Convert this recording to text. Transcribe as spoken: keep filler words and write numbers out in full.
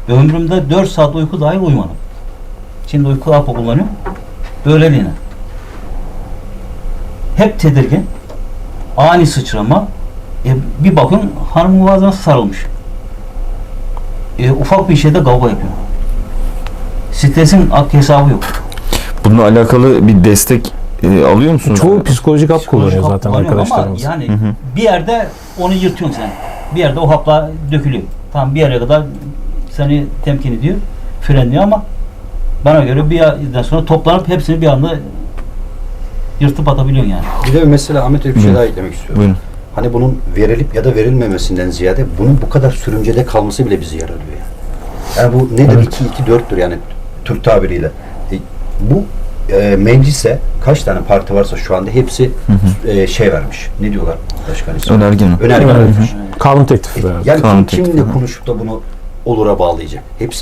Ömrümde dört saat uyku dahil uyumadım. Şimdi uyku hapı kullanıyorum. Böyleliğine. Hep tedirgin. Ani sıçrama. E, bir bakın hanımın boğazına sarılmış. E, ufak bir şeyde kavga yapıyor. Stresin hesabı yok. Bununla alakalı bir destek e, alıyor musunuz? Çoğu psikolojik hap kullanıyor Psikolojik hap zaten kullanıyorum arkadaşlarımız. ama yani bir yerde onu yırtıyorsun sen. Bir yerde o hapla dökülüyor. Tam bir yere kadar seni temkin ediyor, frenliyor ama bana göre bir yerden sonra toplanıp hepsini bir anda yırtıp atabiliyorsun yani. Bir de mesela Ahmet Bey bir şey Hı. daha eklemek istiyorum. Buyurun. Hani bunun verilip ya da verilmemesinden ziyade bunun bu kadar sürümcede kalması bile bizi yaralıyor yani. Yani bu nedir? Evet. iki iki dörttür yani Türk tabiriyle. E, bu e, meclise kaç tane parti varsa şu anda hepsi e, şey vermiş. Ne diyorlar başkan ismi? Önerge mi? Önerge Evet. vermiş. Kanun teklifi. E, evet. yani Kanun kim, teklifi. kimle konuşup da bunu olura bağlayacak? Hepsi